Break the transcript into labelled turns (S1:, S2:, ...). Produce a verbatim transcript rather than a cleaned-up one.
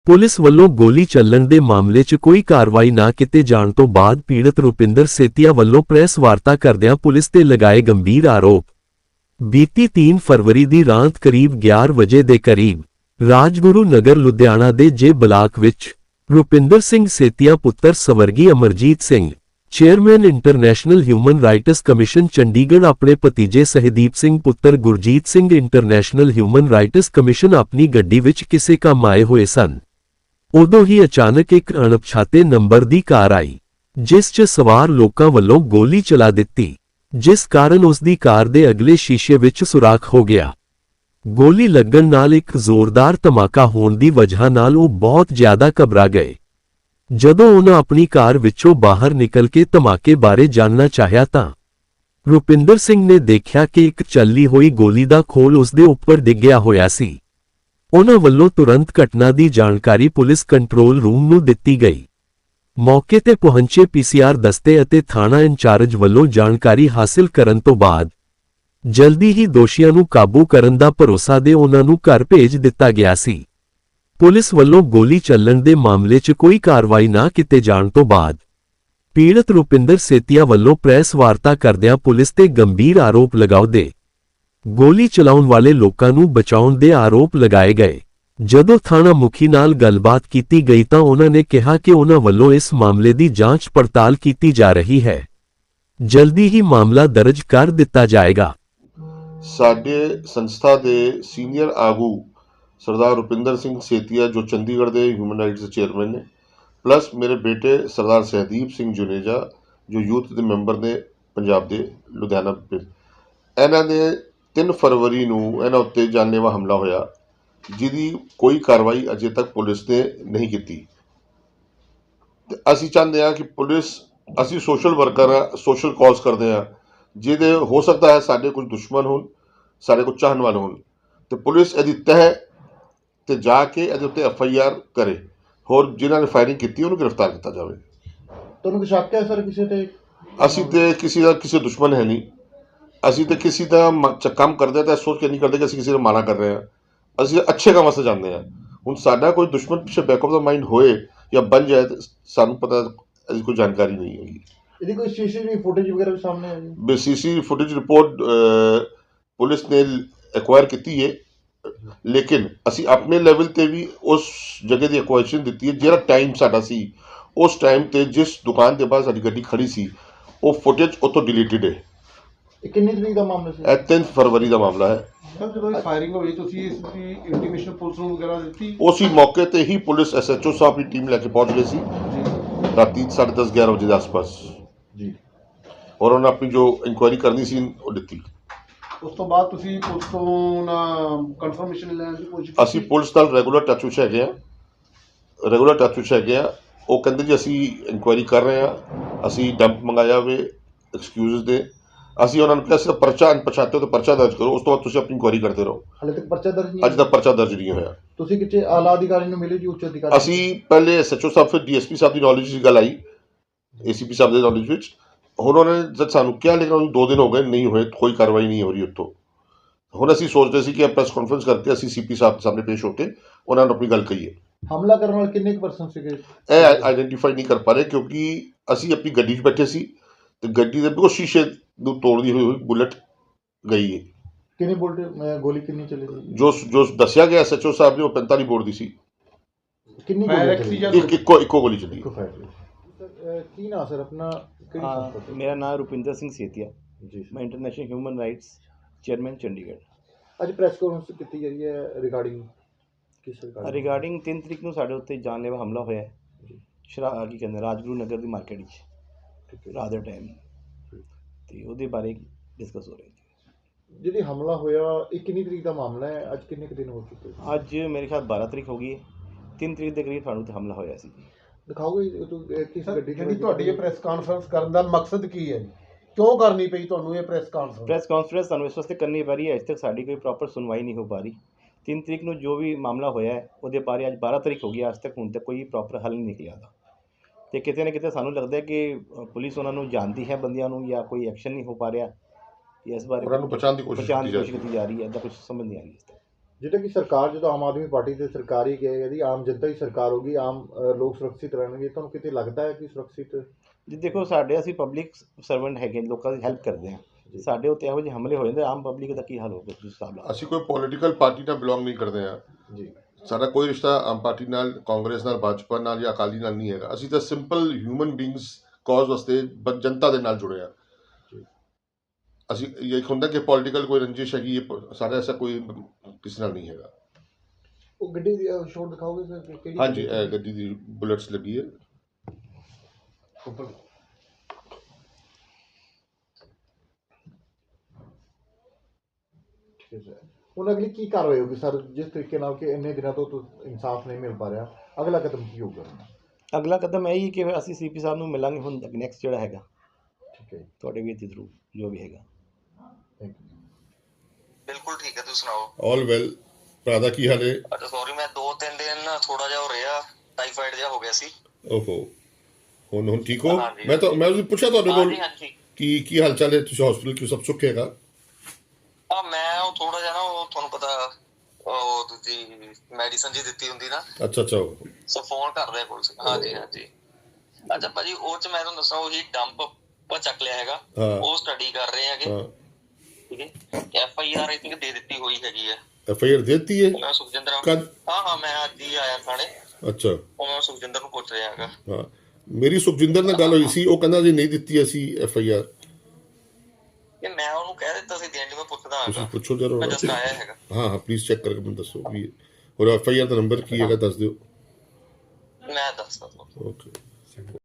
S1: Police ਵੱਲੋਂ ਗੋਲੀ ਚੱਲਣ ਦੇ ਮਾਮਲੇ 'ਚ ਕੋਈ ਕਾਰਵਾਈ ਨਾ ਕੀਤੇ ਜਾਣ ਤੋਂ ਬਾਅਦ ਪੀੜਤ ਰੁਪਿੰਦਰ ਸੇਤੀਆ ਵੱਲੋਂ ਪ੍ਰੈਸ ਵਾਰਤਾ ਕਰਦਿਆਂ ਪੁਲਿਸ ਤੇ ਲਗਾਏ ਗੰਭੀਰ ਆਰੋਪ। ਬੀਤੀ ਤਿੰਨ ਫਰਵਰੀ ਦੀ ਰਾਤ ਕਰੀਬ ਗਿਆਰਾਂ ਵਜੇ ਦੇ ਕਰੀਬ ਰਾਜਗੁਰੂ ਨਗਰ ਲੁਧਿਆਣਾ ਦੇ ਜੇ ਬਲਾਕ ਵਿੱਚ ਰੁਪਿੰਦਰ ਸਿੰਘ ਸੇਤੀਆ ਪੁੱਤਰ ਸਵਰਗੀ Amarjit Singh chairman international human rights commission Chandigarh ਆਪਣੇ ਭਤੀਜੇ ਸਹਿਦੀਪ ਸਿੰਘ ਪੁੱਤਰ Gurjit Singh international human rights commission ਆਪਣੀ ਗੱਡੀ ਵਿੱਚ ਕਿਸੇ ਕੰਮ ਆਏ ਹੋਏ ਸਨ। ਉਦੋਂ ਹੀ ਅਚਾਨਕ ਇੱਕ ਅਣਪਛਾਤੇ ਨੰਬਰ ਦੀ ਕਾਰ ਆਈ, ਜਿਸ 'ਚ ਸਵਾਰ ਲੋਕਾਂ ਵੱਲੋਂ ਗੋਲੀ ਚਲਾ ਦਿੱਤੀ, ਜਿਸ ਕਾਰਨ ਉਸ ਦੀ ਕਾਰ ਦੇ ਅਗਲੇ ਸ਼ੀਸ਼ੇ ਵਿੱਚ ਸੁਰਾਖ ਹੋ ਗਿਆ। ਗੋਲੀ ਲੱਗਣ ਨਾਲ ਇੱਕ ਜ਼ੋਰਦਾਰ ਧਮਾਕਾ ਹੋਣ ਦੀ ਵਜ੍ਹਾ ਨਾਲ ਉਹ ਬਹੁਤ ਜ਼ਿਆਦਾ ਘਬਰਾ ਗਏ। ਜਦੋਂ ਉਹਨਾਂ ਆਪਣੀ ਕਾਰ ਵਿੱਚੋਂ ਬਾਹਰ ਨਿਕਲ ਕੇ ਧਮਾਕੇ ਬਾਰੇ ਜਾਣਨਾ ਚਾਹਿਆ ਤਾਂ ਰੁਪਿੰਦਰ ਸਿੰਘ ਨੇ ਦੇਖਿਆ ਕਿ ਇੱਕ ਚੱਲੀ ਹੋਈ ਗੋਲੀ ਦਾ ਖੋਲ ਉਸ ਦੇ ਉੱਪਰ ਡਿੱਗਿਆ ਹੋਇਆ ਸੀ। ਉਹਨਾਂ ਵੱਲੋਂ ਤੁਰੰਤ ਘਟਨਾ ਦੀ ਜਾਣਕਾਰੀ ਪੁਲਿਸ ਕੰਟਰੋਲ ਰੂਮ ਨੂੰ ਦਿੱਤੀ ਗਈ। ਮੌਕੇ ਤੇ ਪਹੁੰਚੇ ਪੀਸੀਆਰ ਦਸਤੇ ਅਤੇ ਥਾਣਾ ਇੰਚਾਰਜ ਵੱਲੋਂ ਜਾਣਕਾਰੀ ਹਾਸਲ ਕਰਨ ਤੋਂ ਬਾਅਦ ਜਲਦੀ ਹੀ ਦੋਸ਼ੀਆਂ ਨੂੰ ਕਾਬੂ ਕਰਨ ਦਾ ਭਰੋਸਾ ਦੇ ਉਹਨਾਂ ਨੂੰ ਘਰ ਭੇਜ ਦਿੱਤਾ ਗਿਆ ਸੀ। ਪੁਲਿਸ ਵੱਲੋਂ ਗੋਲੀ ਚੱਲਣ ਦੇ ਮਾਮਲੇ 'ਚ ਕੋਈ ਕਾਰਵਾਈ ਨਾ ਕੀਤੇ ਜਾਣ ਤੋਂ ਬਾਅਦ ਪੀੜਤ ਰੁਪਿੰਦਰ ਸੇਤੀਆ ਵੱਲੋਂ ਪ੍ਰੈਸ ਵਾਰਤਾ ਕਰਦਿਆਂ ਪੁਲਿਸ ਤੇ ਗੰਭੀਰ ਆਰੋਪ ਲਗਾਉਂਦੇ ਗੋਲੀ ਚਲਾਉਣ ਵਾਲੇ ਲੋਕਾਂ ਨੂੰ ਬਚਾਉਣ ਦੇ ਆਰੋਪ ਲਗਾਏ ਗਏ। ਜਦੋਂ ਥਾਣਾ ਮੁਖੀ ਨਾਲ ਗੱਲਬਾਤ ਕੀਤੀ ਗਈ ਤਾਂ ਉਹਨਾਂ ਨੇ ਕਿਹਾ ਕਿ ਉਹਨਾਂ ਵੱਲੋਂ ਇਸ ਮਾਮਲੇ ਦੀ ਜਾਂਚ ਪੜਤਾਲ ਕੀਤੀ ਜਾ ਰਹੀ ਹੈ, ਜਲਦੀ ਹੀ ਮਾਮਲਾ ਦਰਜ ਕਰ ਦਿੱਤਾ ਜਾਏਗਾ।
S2: ਸਾਡੇ ਸੰਸਥਾ ਦੇ ਸੀਨੀਅਰ ਆਗੂ ਸਰਦਾਰ ਰੁਪਿੰਦਰ ਸਿੰਘ ਸੇਤੀਆ ਜੋ ਚੰਡੀਗੜ੍ਹ ਦੇ ਹਿਊਮਨ ਰਾਈਟਸ ਚੇਅਰਮੈਨ ਨੇ, ਪਲੱਸ ਮੇਰੇ ਬੇਟੇ ਸਰਦਾਰ ਸਹਿਦੀਪ ਸਿੰਘ ਜੁਨੇਜਾ ਜੋ ਯੂਥ ਦੇ ਮੈਂਬਰ ਨੇ ਪੰਜਾਬ ਦੇ ਲੁਧਿਆਣਾ ਦੇ, ਇਹਨਾਂ ਦੇ ਤਿੰਨ ਫਰਵਰੀ ਨੂੰ ਇਹਨਾਂ ਉੱਤੇ ਜਾਨਲੇਵਾ ਹਮਲਾ ਹੋਇਆ, ਜਿਹਦੀ ਕੋਈ ਕਾਰਵਾਈ ਅਜੇ ਤੱਕ ਪੁਲਿਸ ਨੇ ਨਹੀਂ ਕੀਤੀ। ਤੇ ਅਸੀਂ ਚਾਹੁੰਦੇ ਹਾਂ ਕਿ ਪੁਲਿਸ, ਅਸੀਂ ਸੋਸ਼ਲ ਵਰਕਰ ਆ, ਸੋਸ਼ਲ ਕਾਜ਼ ਕਰਦੇ ਹਾਂ, ਜਿਹਦੇ ਹੋ ਸਕਦਾ ਹੈ ਸਾਡੇ ਕੁਝ ਦੁਸ਼ਮਣ ਹੋਣ, ਸਾਡੇ ਕੁਝ ਚਾਹਣ ਵਾਲੇ ਹੋਣ, ਤੇ ਪੁਲਿਸ ਇਹਦੀ ਤਹਿ ਤੇ ਜਾ ਕੇ ਇਹਦੇ ਉੱਤੇ ਐਫ ਆਈ ਆਰ ਕਰੇ, ਹੋਰ ਜਿਨ੍ਹਾਂ ਨੇ ਫਾਇਰਿੰਗ ਕੀਤੀ ਉਹਨੂੰ ਗ੍ਰਿਫਤਾਰ ਕੀਤਾ ਜਾਵੇ।
S3: ਤੁਹਾਨੂੰ ਕੋਈ ਸ਼ੱਕ ਹੈ ਸਰ ਕਿਸੇ ਤੇ?
S2: ਅਸੀਂ ਤੇ ਕਿਸੇ ਦਾ ਕਿਸੇ ਦੁਸ਼ਮਣ ਹੈ ਨਹੀਂ, ਅਸੀਂ ਤੇ ਕਿਸੇ ਦਾ ਕੰਮ ਕਰਦੇ ਤਾਂ ਸੋਚ ਕੇ ਨਹੀਂ ਕਰਦੇ ਕਿ ਅਸੀਂ ਕਿਸੇ ਨੂੰ ਮਾੜਾ ਕਰ ਰਹੇ ਹਾਂ, ਅਸੀਂ ਅੱਛੇ ਕੰਮ ਵਾਸਤੇ ਜਾਂਦੇ ਹਾਂ। ਹੁਣ ਸਾਡਾ ਕੋਈ ਦੁਸ਼ਮਣ ਪਿੱਛੇ ਬੈਕ ਆਫ ਦਾ ਮਾਈਂਡ ਹੋਏ ਜਾਂ ਬਣ ਜਾਏ ਤਾਂ ਸਾਨੂੰ ਪਤਾ, ਅਸੀਂ ਕੋਈ ਜਾਣਕਾਰੀ ਨਹੀਂ ਹੈਗੀ।
S3: ਇਹਦੀ ਕੋਈ ਸੀਸੀਟੀਵੀ ਫੁਟੇਜ ਵਗੈਰਾ ਵੀ ਸਾਹਮਣੇ ਆਈ?
S2: ਬੇ ਸੀਸੀ ਫੁਟੇਜ ਰਿਪੋਰਟ ਪੁਲਿਸ ਨੇ ਐਕਵਾਇਰ ਕੀਤੀ ਹੈ, ਲੇਕਿਨ ਅਸੀਂ ਆਪਣੇ ਲੈਵਲ ਤੇ ਵੀ ਉਸ ਜਗ੍ਹਾ ਦੀ ਐਕੁਆਇਸ਼ਨ ਦਿੱਤੀ ਹੈ। ਜਿਹੜਾ ਟਾਈਮ ਸਾਡਾ ਸੀ, ਉਸ ਟਾਈਮ ਤੇ ਜਿਸ ਦੁਕਾਨ ਦੇ ਬਾਹਰ ਸਾਡੀ ਗੱਡੀ ਖੜੀ ਸੀ, ਉਹ ਫੁਟੇਜ ਉੱਥੋਂ ਡਿਲੀਟਡ ਹੈ।
S3: ਇਹ ਕਿੰਨੀ ਤਰੀਕ ਦਾ ਮਾਮਲਾ ਸੀ?
S2: ਇਹ ਤਿੰਨ ਫਰਵਰੀ ਦਾ ਮਾਮਲਾ ਹੈ।
S4: ਸਰ ਜਦੋਂ ਫਾਇਰਿੰਗ ਹੋਈ ਤੁਸੀਂ ਇਸ ਦੀ ਇੰਟੀਮੇਸ਼ਨ ਪੁਲਿਸ ਨੂੰ ਵਗੈਰਾ ਦਿੱਤੀ?
S2: ਉਸੇ ਮੌਕੇ ਤੇ ਹੀ ਪੁਲਿਸ ਐਸ ਐਚ ਓ ਸਾਹਿਬ ਦੀ ਟੀਮ ਲੈ ਕੇ ਪਹੁੰਚ ਗਈ ਸੀ ਰਾਤੀ ਸਾਢੇ ਦਸ ਗਿਆਰਾਂ ਵਜੇ ਦੇ ਆਸ-ਪਾਸ
S3: ਜੀ,
S2: ਔਰ ਉਹਨਾਂ ਆਪਣੀ ਜੋ ਇਨਕੁਆਇਰੀ ਕਰਨੀ ਸੀ ਉਹ ਦਿੱਤੀ।
S4: ਉਸ ਤੋਂ ਬਾਅਦ ਤੁਸੀਂ ਪੁਲਿਸ ਤੋਂ ਨਾ ਕਨਫਰਮੇਸ਼ਨ ਲੈਣ ਦੀ ਕੋਸ਼ਿਸ਼ ਕੀਤੀ?
S2: ਅਸੀਂ ਪੁਲਿਸ ਨਾਲ ਰੈਗੂਲਰ ਟੱਚ ਵਿੱਚ ਹੈਗੇ ਹਾਂ, ਰੈਗੂਲਰ ਟੱਚ ਵਿੱਚ ਹੈਗੇ ਹਾਂ। ਉਹ ਕਹਿੰਦੇ ਜੀ ਅਸੀਂ ਇਨਕੁਆਇਰੀ ਕਰ ਰਹੇ ਹਾਂ, ਅਸੀਂ ਡੰਪ ਮੰਗਾਇਆ ਵੇ ਐਕਸਕਿਊਜ਼ ਦੇ। ਅਸੀਂ ਉਹਨਾਂ ਨੂੰ ਕਿਹਾ ਸੀ ਪਰਚਾ ਅਣਪਛਾਤੇ ਤੇ ਪਰਚਾ ਦਰਜ ਕਰੋ, ਉਸ ਤੋਂ ਬਾਅਦ ਤੁਸੀਂ ਆਪਣੀ ਇਨਕੁਆਇਰੀ ਕਰਦੇ ਰਹੋ।
S3: ਹਾਲੇ ਤੱਕ ਪਰਚਾ ਦਰਜ ਨਹੀਂ?
S2: ਅੱਜ ਤੱਕ ਪਰਚਾ ਦਰਜ ਨਹੀਂ ਹੋਇਆ।
S3: ਤੁਸੀਂ ਕਿਤੇ ਆਲਾ ਅਧਿਕਾਰੀ ਨੂੰ ਮਿਲੇ ਜੀ, ਉੱਚ ਅਧਿਕਾਰੀ?
S2: ਅਸੀਂ ਪਹਿਲੇ ਐਸ ਐਚ ਓ ਸਾਹਿਬ, ਫਿਰ ਡੀ ਐਸ ਪੀ ਸਾਹਿਬ ਦੀ ਨੌਲੇਜ ਦੀ ਗੱਲ ਆਈ, ਏ ਸੀ ਪੀ ਸਾਹਿਬ ਦੇ ਨੌਲੇਜ ਵਿੱਚ। ਹੁਣ ਉਹਨਾਂ ਨੇ ਜਦ ਸਾਨੂੰ ਕਿਹਾ, ਲੇਕਿਨ ਉਹਨੂੰ ਦੋ ਦਿਨ ਹੋ ਗਏ, ਨਹੀਂ ਹੋਏ, ਕੋਈ ਕਾਰਵਾਈ ਨਹੀਂ ਹੋ ਰਹੀ ਉੱਥੋਂ। ਹੁਣ ਅਸੀਂ ਸੋਚਦੇ ਸੀ ਕਿ ਪ੍ਰੈਸ ਕਾਨਫਰੰਸ ਕਰਕੇ ਅਸੀਂ ਸੀ ਪੀ ਸਾਹਿਬ ਦੇ ਸਾਹਮਣੇ ਪੇਸ਼ ਹੋ ਕੇ ਉਹਨਾਂ ਨੂੰ ਆਪਣੀ ਗੱਲ ਕਹੀਏ।
S3: ਹਮਲਾ ਕਰਨ ਵਾਲੇ ਕਿੰਨੇ ਕੁ ਪਰਸਨ ਸੀਗੇ?
S2: ਇਹ ਆਈਡੈਂਟੀਫਾਈ ਨਹੀਂ ਕਰ ਪਾ ਰਹੇ, ਕਿਉਂਕਿ ਅਸੀਂ ਆਪਣੀ ਗੱਡੀ 'ਚ ਬੈਠੇ ਸੀ ਤੇ ਗੱਡੀ ਦੇ ਬਿਲਕੁਲ ਸ਼ੀਸ਼ੇ ਨੂੰ ਤੋੜਦੀ ਹੋਈ ਹੋਈ ਬੁਲਟ ਗਈ ਹੈ।
S3: ਕਿੰਨੀ ਬੁਲਟ ਗੋਲੀ ਕਿੰਨੀ ਚੱਲੀ ਸੀ?
S2: ਜੋ ਜੋ ਦੱਸਿਆ ਗਿਆ ਐਸ ਐਚ ਓ ਸਾਹਿਬ ਨੇ, ਉਹ ਪੈਂਤਾਲੀ ਬੋਰ ਦੀ ਸੀ।
S3: ਕਿੰਨੀ ਗੋਲੀ ਚੱਲੀ?
S2: ਇੱਕ ਇੱਕੋ ਇੱਕੋ ਗੋਲੀ ਚੱਲੀ।
S3: ਕੀ ਨਾਮ ਸਰ ਆਪਣਾ?
S5: हाँ, मेरा नाम रुपिंदर सिंह सेतिया
S3: जी,
S5: मैं international human rights chairman Chandigarh.
S3: ਅੱਜ ਪ੍ਰੈਸ ਕਾਨਫਰੰਸ ਕੀਤੀ ਜਾ ਰਹੀ ਹੈ ਰਿਗਾਰਡਿੰਗ ਕਿਸ ਰਿਗਾਰਡਿੰਗ?
S5: ਰਿਗਾਰਡਿੰਗ ਤਿੰਨ ਤਰੀਕ ਨੂੰ ਸਾਡੇ ਉੱਤੇ ਜਾਨਲੇਵਾ ਹਮਲਾ ਹੋਇਆ ਹੈ ਸ਼ਰਾ ਕੀ ਕਹਿੰਦੇ ਰਾਜਗੁਰੂ ਨਗਰ ਦੀ ਮਾਰਕੀਟ ਵਿੱਚ ਰਾਤ ਦੇ ਟਾਈਮ, ਤੇ ਉਹਦੇ ਬਾਰੇ ਡਿਸਕਸ ਹੋ ਰਿਹਾ ਜੀ।
S3: ਜਿਹੜੀ ਹਮਲਾ ਹੋਇਆ ਇਹ ਕਿੰਨੀ ਤਰੀਕ ਦਾ ਮਾਮਲਾ ਹੈ? ਅੱਜ ਕਿੰਨੇ ਕੁ ਦਿਨ ਹੋ ਚੁੱਕੇ?
S5: ਅੱਜ ਮੇਰੇ ਖਿਆਲ ਬਾਰਾਂ ਤਰੀਕ ਹੋ ਗਈ ਹੈ, ਤਿੰਨ ਤਰੀਕ ਦੇ ਕਰੀਬ ਸਾਨੂੰ ਤੇ ਹਮਲਾ ਹੋਇਆ ਸੀ।
S3: ਦਿਖਾਓਗੇ ਕਿਸ ਗੱਡੀ
S4: ਜਿਹੜੀ ਤੁਹਾਡੀ ਇਹ ਪ੍ਰੈਸ ਕਾਨਫਰੰਸ ਕਰਨ ਦਾ ਮਕਸਦ ਕੀ ਹੈ ਜੀ? ਕਿਉਂ ਕਰਨੀ ਪਈ ਤੁਹਾਨੂੰ ਇਹ ਪ੍ਰੈਸ ਕਾਨਫਰੰਸ?
S5: ਪ੍ਰੈਸ ਕਾਨਫਰੰਸ ਸਾਨੂੰ ਇਸ ਵਾਸਤੇ ਕਰਨੀ ਪੈ ਰਹੀ ਹੈ, ਅਜੇ ਤੱਕ ਸਾਡੀ ਕੋਈ ਪ੍ਰੋਪਰ ਸੁਣਵਾਈ ਨਹੀਂ ਹੋ ਪਾ ਰਹੀ। ਤਿੰਨ ਤਰੀਕ ਨੂੰ ਜੋ ਵੀ ਮਾਮਲਾ ਹੋਇਆ ਹੈ ਉਹਦੇ ਬਾਰੇ ਅੱਜ ਬਾਰਾਂ ਤਰੀਕ ਹੋ ਗਈ, ਅੱਜ ਤੱਕ ਹੁਣ ਤੱਕ ਕੋਈ ਪ੍ਰੋਪਰ ਹੱਲ ਨਹੀਂ ਨਿਕਲਿਆ ਦਾ। ਤੇ ਕਿਤੇ ਨਾ ਕਿਤੇ ਸਾਨੂੰ ਲੱਗਦਾ ਕਿ ਪੁਲਿਸ ਉਹਨਾਂ ਨੂੰ ਜਾਣਦੀ ਹੈ ਬੰਦਿਆਂ ਨੂੰ, ਜਾਂ ਕੋਈ ਐਕਸ਼ਨ ਨਹੀਂ ਹੋ ਪਾ ਰਿਹਾ, ਇਸ ਬਾਰੇ
S2: ਉਹਨਾਂ ਨੂੰ ਪਛਾਣ ਦੀ ਕੋਸ਼ਿਸ਼
S5: ਪਛਾਣ ਦੀ
S2: ਕੀਤੀ
S5: ਕੋਸ਼ਿਸ਼ ਕੀਤੀ ਜਾ ਰਹੀ ਹੈ, ਇਹਦਾ ਕੁਝ ਸਮਝ ਨਹੀਂ ਆ ਰਹੀ ਇਸ ਤਰ੍ਹਾਂ।
S3: ਜਿੱਦਾਂ ਕਿ ਸਰਕਾਰ ਜਦੋਂ ਆਮ ਆਦਮੀ ਪਾਰਟੀ ਤੇ ਸਰਕਾਰ ਹੀ ਕਹੇਗਾ ਜੀ ਆਮ ਜਨਤਾ ਹੀ ਸਰਕਾਰ ਹੋਗੀ, ਆਮ ਅ, ਲੋਕ ਸੁਰੱਖਿਅਤ ਰਹਿਣਗੇ, ਤੁਹਾਨੂੰ ਕਿਤੇ ਲੱਗਦਾ ਹੈ ਕਿ ਸੁਰੱਖਿਅਤ?
S5: ਜੀ ਦੇਖੋ, ਸਾਡੇ ਅਸੀਂ ਪਬਲਿਕ ਸਰਵੈਂਟ ਹੈਗੇ, ਲੋਕਾਂ ਦੀ ਹੈਲਪ ਕਰਦੇ ਹਾਂ। ਸਾਡੇ ਉੱਤੇ ਇਹੋ ਜਿਹੇ ਹਮਲੇ ਹੋ ਜਾਂਦੇ, ਆਮ ਪਬਲਿਕ ਦਾ ਕੀ ਹਾਲ ਹੋਊਗਾ ਤੁਸੀਂ ਹਿਸਾਬ ਲਾ ਲਓ।
S2: ਅਸੀਂ ਕੋਈ ਪੋਲੀਟੀਕਲ ਪਾਰਟੀ ਨਾਲ ਬਿਲੋਂਗ ਨਹੀਂ ਕਰਦੇ ਹਾਂ।
S3: ਜੀ
S2: ਸਾਡਾ ਕੋਈ ਰਿਸ਼ਤਾ ਆਮ ਪਾਰਟੀ ਨਾਲ, ਕਾਂਗਰਸ ਨਾਲ, ਭਾਜਪਾ ਨਾਲ ਜਾਂ ਅਕਾਲੀ ਨਾਲ ਨਹੀਂ ਹੈਗਾ। ਅਸੀਂ ਤਾਂ ਸਿੰਪਲ ਹਿਊਮਨ ਬੀਇੰਗਸ ਕਾਜ਼ ਵਾਸਤੇ ਬ- ਜਨਤਾ ਦੇ ਨਾਲ ਜੁੜੇ ਹਾਂ। ਅਸੀਂ ਇਹ ਇੱਕ ਹੁੰਦਾ ਕਿ ਪੋਲੀਟੀਕਲ ਕੋਈ ਰੰਜਿਸ਼ ਹੈਗੀ, ਇਹ ਸਾਡਾ ਐਸਾ ਕੋਈ ਕਿਸੇ ਨਾਲ ਨਹੀਂ ਹੈਗਾ।
S3: ਉਹ ਗੱਡੀ ਦੀ ਸ਼ੋਟ ਦਿਖਾਓਗੇ ਸਰ ਕਿ ਕਿਹੜੀ
S2: ਹਾਂਜੀ, ਇਹ ਗੱਡੀ ਦੀ ਬੁਲੇਟਸ ਲੱਗੀ ਹੈ।
S3: ਉੱਪਰ ਠੀਕ ਹੈ ਸਰ। ਹੁਣ ਅਗਲੀ ਕੀ ਕਾਰਵਾਈ ਹੋਗੀ ਸਰ, ਜਿਸ ਤਰੀਕੇ ਨਾਲ ਕਿ ਇੰਨੇ ਦਿਨਾਂ ਤੋਂ ਤੁ- ਇਨਸਾਫ ਨਹੀਂ ਮਿਲ ਪਾ ਰਿਹਾ, ਅਗਲਾ ਕਦਮ ਕੀ ਹੋਊਗਾ?
S5: ਅਗਲਾ ਕਦਮ ਇਹ ਹੀ ਕਿ ਅਸੀਂ ਸੀਪੀ ਸਾਹਿਬ ਨੂੰ ਮਿਲਾਂਗੇ ਹੁਣ ਨੈਕਸਟ ਜਿਹੜਾ ਹੈਗਾ
S3: ਠੀਕ ਹੈ ਜੀ,
S5: ਤੁਹਾਡੇ ਵੀ ਦੇ ਥਰੂ ਜੋ ਵੀ ਹੈਗਾ।
S3: Thank you.
S6: ਬਿਲਕੁਲ ਠੀਕ ਹੈ, ਤੁਸੀਂ ਸੁਣਾਓ।
S2: All well. ਭਰਾ ਦਾ ਕੀ ਹਾਲ ਹੈ?
S6: ਅੱਛਾ ਸੌਰੀ, ਮੈਂ ਦੋ ਤਿੰਨ ਦਿਨ ਥੋੜਾ ਜਿਹਾ ਹੋ ਰਿਹਾ, ਟਾਈਫਾਈਡ ਜਿਹਾ ਹੋ ਗਿਆ ਸੀ।
S2: ਓਹੋ, ਹੁਣ ਹੁਣ ਠੀਕ ਹੋ?
S6: ਹਾਂਜੀ।
S2: ਮੈਂ ਤਾਂ ਮੈਂ ਉਸ ਪੁੱਛਿਆ ਤੁਹਾਡੇ ਕੋਲ
S6: ਹਾਂਜੀ ਹਾਂਜੀ।
S2: ਕਿ ਕੀ ਹਾਲ ਚਾਲ ਹੈ, ਤੁਸੀਂ ਹਸਪੀਟਲ ਕਿਉਂ, ਸਭ ਸੁੱਖ ਹੈਗਾ?
S6: ਆ ਮੈਂ ਉਹ ਥੋੜਾ ਜਿਹਾ ਨਾ, ਉਹ ਤੁਹਾਨੂੰ ਪਤਾ ਉਹ ਦੂਜੀ ਮੈਡੀਸਨ ਜੀ ਦਿੱਤੀ ਹੁੰਦੀ ਨਾ,
S2: ਅੱਛਾ ਅੱਛਾ।
S6: ਸੋ ਫੋਨ ਕਰਦੇ ਕੋਲ ਸੀ। ਹਾਂਜੀ ਹਾਂਜੀ। ਅੱਛਾ ਭਾਜੀ, ਉਹ ਚ ਮੈਂ ਤੁਹਾਨੂੰ ਦੱਸਾਂ, ਉਹੀ ਡੰਪ ਆਪਾਂ ਚੱਕ ਲਿਆ ਹੈਗਾ,
S2: ਹਾਂ।
S6: ਉਹ ਸਟੱਡੀ ਕਰ ਰਹੇ ਹੈਗੇ।
S2: ਹਾਂ,
S6: ਠੀਕ ਹੈ, F I R I think ਦੇ ਦਿੱਤੀ ਹੋਈ ਹੈਗੀ ਹੈ।
S2: ਐਫ ਆਈ ਆਰ ਦੇ ਦਿੱਤੀ ਹੈ?
S6: ਮੈਂ ਸੁਖਜਿੰਦਰ,
S2: ਕਦ?
S6: ਹਾਂ ਹਾਂ, ਮੈਂ ਅੱਜ ਹੀ ਆਇਆ ਥਾਣੇ।
S2: ਅੱਛਾ।
S6: ਉਹ ਮੈਂ ਸੁਖਜਿੰਦਰ ਨੂੰ ਪੁੱਛ ਰਿਹਾ ਹੈਗਾ।
S2: ਹਾਂ, ਮੇਰੀ ਸੁਖਜਿੰਦਰ ਨਾਲ ਗੱਲ ਹੋਈ ਸੀ, ਉਹ ਕਹਿੰਦਾ ਜੀ ਨਹੀਂ ਦਿੱਤੀ ਅਸੀਂ ਐਫ ਆਈ ਆਰ।
S6: ਕਿ ਮੈਂ ਉਹਨੂੰ ਕਹਿ ਦਿੱਤਾ ਸੀ ਦੇਣ ਲਈ, ਮੈਂ ਪੁੱਛਦਾ
S2: ਤੁਸੀਂ
S6: ਹੈਗਾ।
S2: ਪੁੱਛੋ ਜਰਾ।
S6: ਮੈਂ ਜਸਟ ਆਇਆ ਹੈਗਾ।
S2: ਹਾਂ ਹਾਂ, ਪਲੀਜ਼ ਚੈੱਕ ਕਰਕੇ ਮੈਨੂੰ ਦੱਸੋ ਵੀ ਹੋਰ ਐਫ ਆਈ ਆਰ ਦਾ ਨੰਬਰ ਕੀ ਹੈਗਾ, ਦੱਸ ਦਿਓ।
S6: ਮੈਂ ਦੱਸਦਾ ਤੁਹਾਨੂੰ।
S2: ਓਕੇ।